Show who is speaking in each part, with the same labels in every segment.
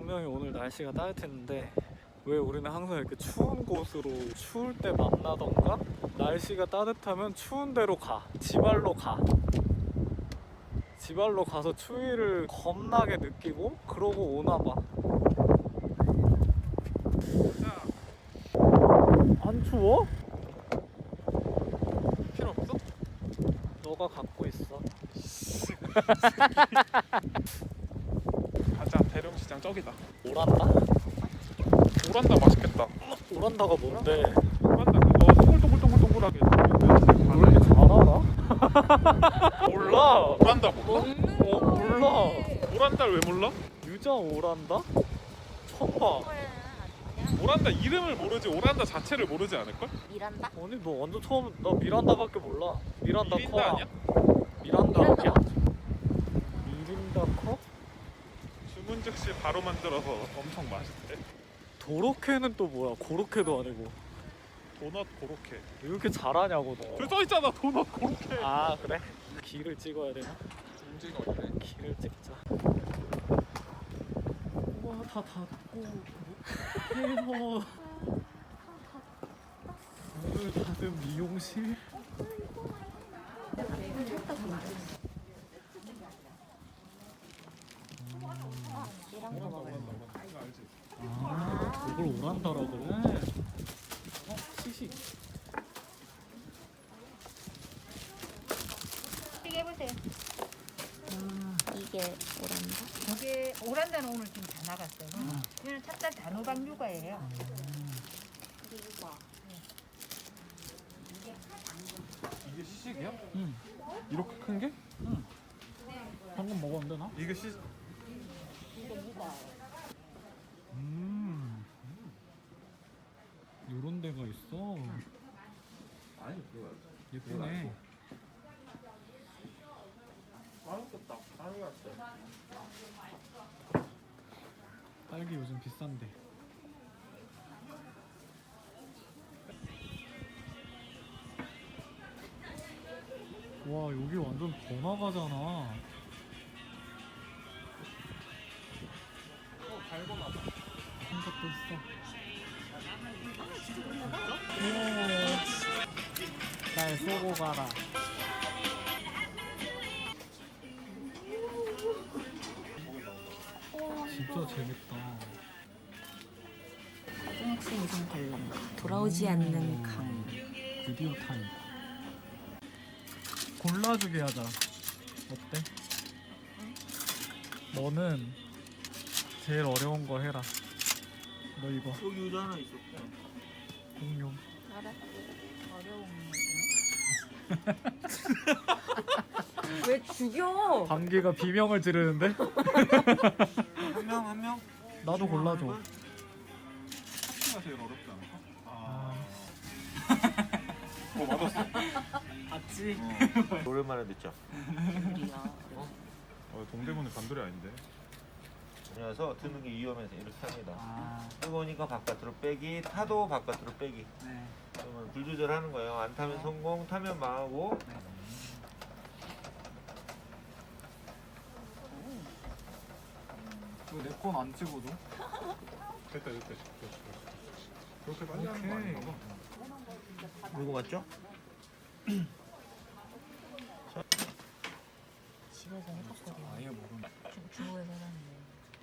Speaker 1: 분명히 오늘 날씨가 따뜻했는데 왜 우리는 항상 이렇게 추운 곳으로 추울 때 만나던가 날씨가 따뜻하면 추운 데로 가. 지발로 가. 지발로 가서 추위를 겁나게 느끼고 그러고 오나 봐. 안 추워?
Speaker 2: 필요 없어?
Speaker 1: 너가 갖고 있어.
Speaker 2: 가자. 대령시장 저기다.
Speaker 1: 오란다?
Speaker 2: 오란다 맛있겠다.
Speaker 1: 오란다가 뭔데?
Speaker 2: 오란다 그거 동글동글동글동글하게.
Speaker 1: 왜 이렇게 잘 알아? 몰라.
Speaker 2: 오란다 몰라?
Speaker 1: 몰라.
Speaker 2: 오란다를 왜 몰라?
Speaker 1: 유자 오란다? 처음 봐.
Speaker 2: 오란다 이름을 모르지 오란다 자체를 모르지 않을걸?
Speaker 3: 미란다?
Speaker 1: 아니 너 완전 처음. 나 미란다밖에 몰라. 미란다
Speaker 2: 미린다
Speaker 1: 커.
Speaker 2: 아니야?
Speaker 1: 미란다 아니야? 미린다 커?
Speaker 2: 주문 즉시 바로 만들어서 엄청 맛있대.
Speaker 1: 도로케는 또 뭐야? 고로케도 아니고.
Speaker 2: 도넛 고로케.
Speaker 1: 왜 이렇게 잘하냐고 너.
Speaker 2: 저 써있잖아 도넛 고로케.
Speaker 1: 아 그래? 길을 찍어야 되나?
Speaker 2: 움직이가 어디네?
Speaker 1: 길을 찍자. 우와 다 닫고 해머. 오늘 닫은 미용실?
Speaker 3: 이런 거 먹을래.
Speaker 2: 이거 알지?
Speaker 1: 아 그걸 오란다라 그래? 시식.
Speaker 3: 시계 해보세요. 이게 오란다?
Speaker 4: 저게 오란다는 오늘 지금 다 나갔어요. 이거는 찹쌀 단호박 육아예요.
Speaker 2: 이게 시식이야?
Speaker 1: 응.
Speaker 2: 이렇게 큰 게?
Speaker 1: 방금 먹었는데 나?
Speaker 2: 이게 시
Speaker 1: 요런 데가 있어. 예쁘네.
Speaker 2: 맛있겠다. 많이 갔어.
Speaker 1: 딸기 요즘 비싼데. 와 여기 완전 번화가잖아.
Speaker 2: 달고나.
Speaker 1: 한 것도 있어. 날 쏘고 가라. 진짜 재밌다.
Speaker 3: 초등학생 이상 관람. 돌아오지 않는 강.
Speaker 1: 드디어 타임. 골라주게 하자. 어때? 너는 제일 어려운 거 해라. 너 이거
Speaker 5: 여기 의자 하나 있었고.
Speaker 1: 공룡.
Speaker 3: 알아?
Speaker 4: 어려운
Speaker 3: 왜 죽여?
Speaker 1: 방귀가 비명을 지르는데?
Speaker 5: 한 명?
Speaker 1: 나도 골라줘.
Speaker 2: 하트가 제일 어렵지 않을까?
Speaker 1: 아,
Speaker 2: 맞았어.
Speaker 1: 봤지?
Speaker 5: 오랜만에 듣죠.
Speaker 2: 동대문은 반돌이 아닌데.
Speaker 5: 그래서 드는 게 위험해서 이렇게 합니다.
Speaker 1: 아,
Speaker 5: 뜨거우니까 바깥으로 빼기, 타도 바깥으로 빼기.
Speaker 1: 네.
Speaker 5: 그러면 불 조절하는 거예요. 안 타면 성공, 타면 망하고.
Speaker 1: 왜 내 건 안 찍어줘?
Speaker 2: 됐다. 그렇게 빨리 하는 거 아닌가 봐.
Speaker 5: 이거 맞죠?
Speaker 3: 집에서 해봤거든.
Speaker 1: 아예 모르는.
Speaker 3: 중국에서 해봤는데.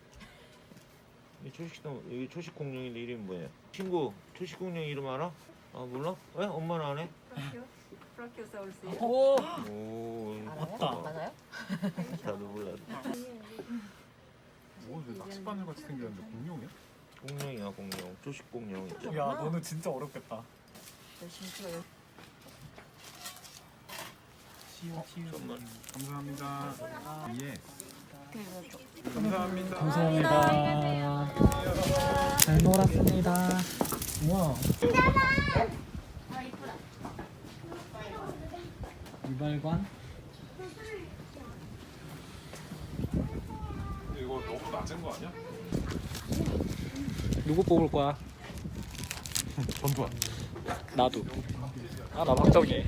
Speaker 5: 이 초식동 여기 초식 공룡인데 이름이 뭐예요? 친구 초식 공룡 이름 알아? 아 몰라? 왜? 엄마는 안 해?
Speaker 4: 프라키오사우루스.
Speaker 1: 오!
Speaker 5: 오
Speaker 1: 맞다.
Speaker 3: 맞아요?
Speaker 5: 나도 몰라.
Speaker 2: 왜 낚싯바늘 같이 생겼는데 공룡이야?
Speaker 5: 공룡이야 공룡. 초식 공룡 있죠.
Speaker 1: 야 너는 진짜 어렵겠다.
Speaker 3: 열심히 찍어요.
Speaker 5: 정말.
Speaker 2: 감사합니다. 예.
Speaker 3: 그래서
Speaker 2: 감사합니다.
Speaker 1: 감사합니다. 잘 놀았습니다. 우와. 유발관?
Speaker 2: 이거 너무 낮은 거 아니야?
Speaker 1: 누구 뽑을 거야?
Speaker 2: 전두환.
Speaker 1: 나도. 아, 나 박정희.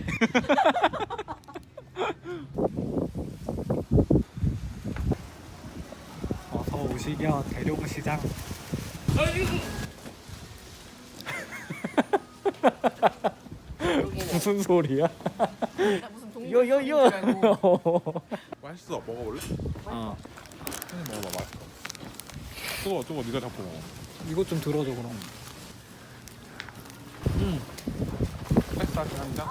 Speaker 1: 아, 450. 미녀 대룡시장. 무슨 소리야?
Speaker 3: 무슨 동물
Speaker 1: 요요요.
Speaker 2: 맛있어. 먹어볼래?
Speaker 1: 어.
Speaker 2: 한입 먹어봐. 맛있어. 저거 네가 잡고 먹어.
Speaker 1: 이거 좀 들어줘 그럼.
Speaker 2: 패스하긴 한다.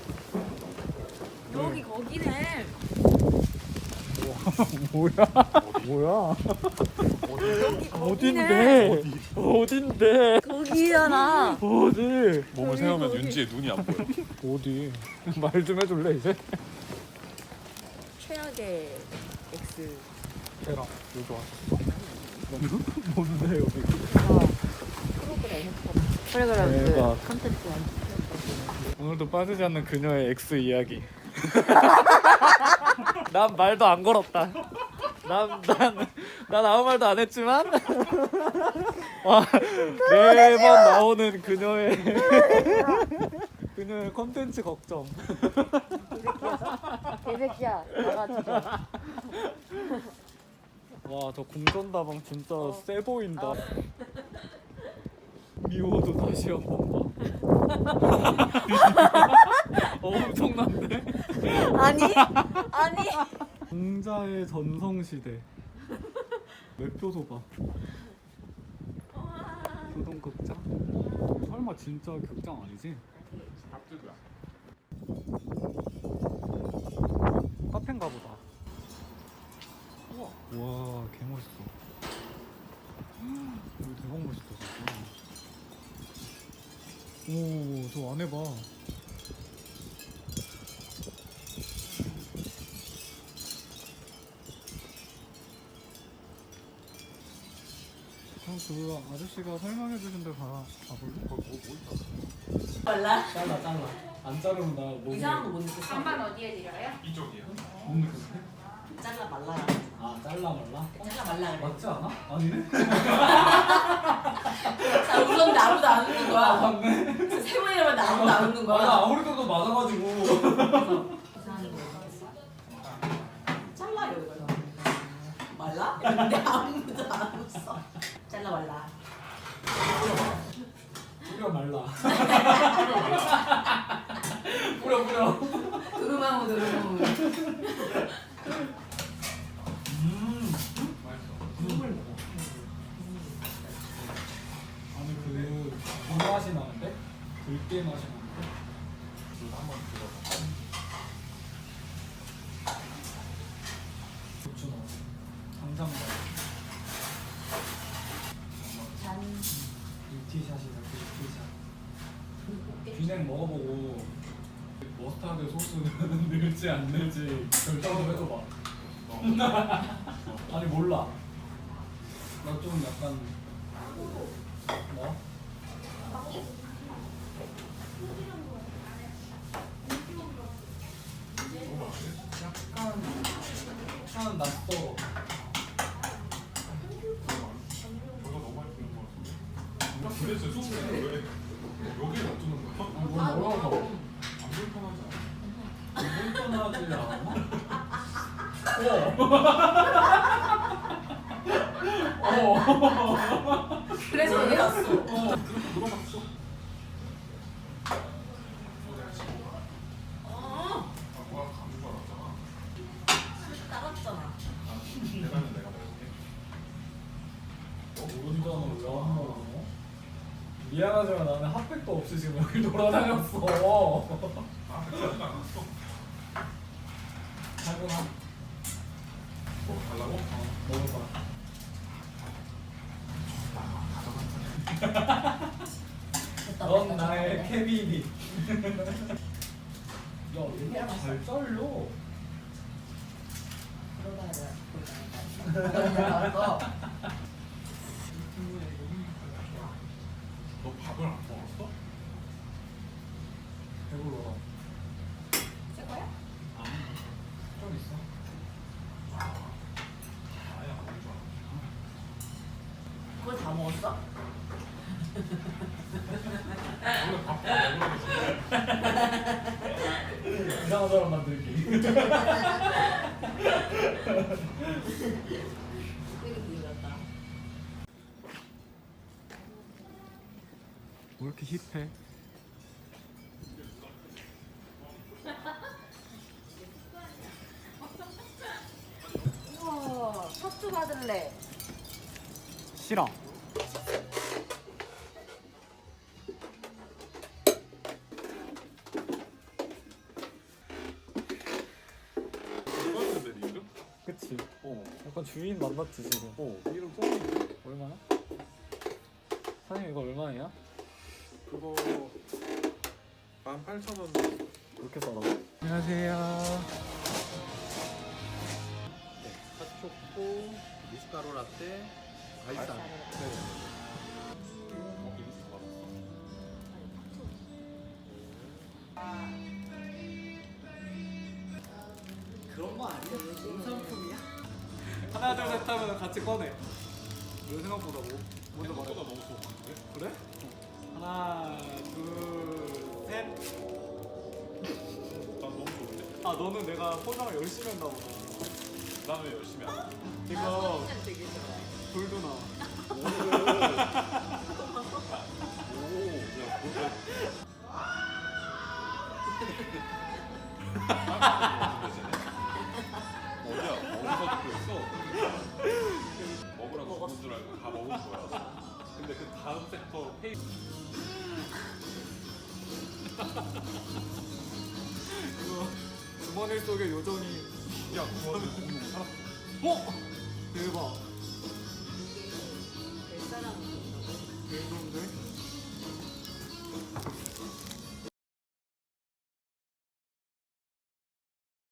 Speaker 3: 여기 거기네.
Speaker 1: 뭐야? 뭐야?
Speaker 3: 여기
Speaker 1: 어딘데? 어딘데?
Speaker 3: 거기잖아.
Speaker 1: 어디?
Speaker 2: 몸을 세우면 윤지의 눈이 안 보여.
Speaker 1: 어디? 말 좀 해줄래 이제?
Speaker 3: 최악의 X.
Speaker 1: 걔랑 여기 왔었어? 뭔데 여기?
Speaker 3: 프로그램. 그래
Speaker 1: 대박.
Speaker 3: 그 컨텐츠 완전.
Speaker 1: 오늘도 빠지지 않는 그녀의 X 이야기. 난 말도 안 걸었다. 난 아무 말도 안 했지만 와, 매번 나오는 그녀의 컨텐츠 걱정.
Speaker 3: 개새끼야. 나가지고.
Speaker 1: 와, 저 공전다방 진짜 세 보인다. 미워도 다시 한 번 봐. 엄청난데?
Speaker 3: 아니? 아니?
Speaker 1: 공자의 전성시대. 매표소 봐. 교동 극장? 설마 진짜 극장 아니지?
Speaker 2: 밥집이야.
Speaker 1: 카페인가 보다. 우와, 개멋있어. 여기 대박 멋있다 진짜. 오, 저 안에 봐. 그럼 그 아저씨가 설명해 주신 데 가볼래?
Speaker 2: 거기 뭐 있어?
Speaker 3: 몰라?
Speaker 1: 잘라. 안 자르면 나못
Speaker 3: 이상한 거 못 느꼈어.
Speaker 4: 반반 어디에 드려요?
Speaker 2: 이쪽이야.
Speaker 1: 못 느꼈어?
Speaker 3: 잘라 말라.
Speaker 1: 아, 잘라 말라?
Speaker 3: 잘라 말라 그래.
Speaker 1: 맞지 않아? 아니네?
Speaker 3: 자, 웃었는데 아무도 안 웃는 거야.
Speaker 1: 맞네.
Speaker 3: 그래서 세 번이나 봤는데 아무도 안 웃는 거야.
Speaker 1: 나 아무리 그래도 맞아가지고.
Speaker 3: 이상한 거 느꼈어. 잘라 이러고 말라? 근데 아무도 안 웃어. 잘라 말라.
Speaker 1: 뿌려 말라. 뿌려.
Speaker 3: 두루마무.
Speaker 1: 국물 먹어. 아니 그 맛이 나는데? 들깨 맛이 나는데?
Speaker 2: 이거 한번 들어봐.
Speaker 1: 고추 넣어. 당장 넣어.
Speaker 3: 잔.
Speaker 1: 유티샷이다. 유티샷. 비냉 먹어보고 머스타드 소스는 늘지 안 늘지 결정 좀 해줘봐. 아니 몰라. 나 좀 약간 뭐? 약간 낯설어.
Speaker 2: 저거 너무 많이 뿌린 거 같은데. 도대체 소스는 왜 여기에 놔두는 거야?
Speaker 1: 뭘 뭐라고?
Speaker 2: 안 불편하지 않아?
Speaker 1: 불편하지 않아?
Speaker 3: 그래서 여기 갔어.
Speaker 2: 그렇게 물어봤어. 아, 뭐야 감줄 줄 알았잖아.
Speaker 3: 따랐잖아.
Speaker 2: 계란은 내가 먹을게.
Speaker 1: 운전을 왜 안 먹어? 미안하지만 나는 핫팩도 없이 지금 여기 돌아다녔어.
Speaker 2: 아, 그러지 않았어.
Speaker 1: 하구나.
Speaker 2: 뭐 달라고?
Speaker 1: 먹어봐. 넌 나의 케빈이. 야, 얘가 잘 잘려.
Speaker 2: 너 밥을 안 먹었어?
Speaker 1: 배불러.
Speaker 3: 새 거야?
Speaker 1: 좀 있어.
Speaker 2: 아예 안 먹을 줄 알았어.
Speaker 3: 그걸 다 먹었어?
Speaker 2: 원래 밥도 먹으라고 줬는데.
Speaker 1: 이상한 사람 만들기.
Speaker 3: 되게 부드럽다.
Speaker 1: 왜 이렇게 힙해?
Speaker 4: 우와, 섭수 받을래.
Speaker 1: 싫어.
Speaker 2: 써있는데 네 이름?
Speaker 1: 그치? 약간 주인 만났지 지금.
Speaker 2: 이름 써있는데?
Speaker 1: 얼마나? 사장님 이거 얼마예요?
Speaker 2: 그거 18,000원.
Speaker 1: 그렇게 싸라고? 안녕하세요.
Speaker 6: 핫초코, 미숫가루 라떼, 아이스한. 그런 거 아니야? 공산품이야?
Speaker 1: 하나 둘 셋 하면 같이 꺼내. 이거 생각보다 먼저 말해.
Speaker 2: 생각보다 너무 좋은데?
Speaker 1: 그래? 하나 둘 셋.
Speaker 2: 난 너무 좋은데?
Speaker 1: 아 너는 내가 포장을 열심히 한다고.
Speaker 2: 나는 열심히 안 해.
Speaker 1: 이거 돌도 나와.
Speaker 2: 야, 뭐야? 어디야? 어디서 듣고 있어? 먹으라고 먹은 줄 알고 다 먹은 거야. 근데 그 다음 섹터 페이
Speaker 1: 이거 주머니 속에 요정이.
Speaker 2: 야, 그거는 공룡 살았어.
Speaker 1: 어? 대박.
Speaker 3: 몇 사람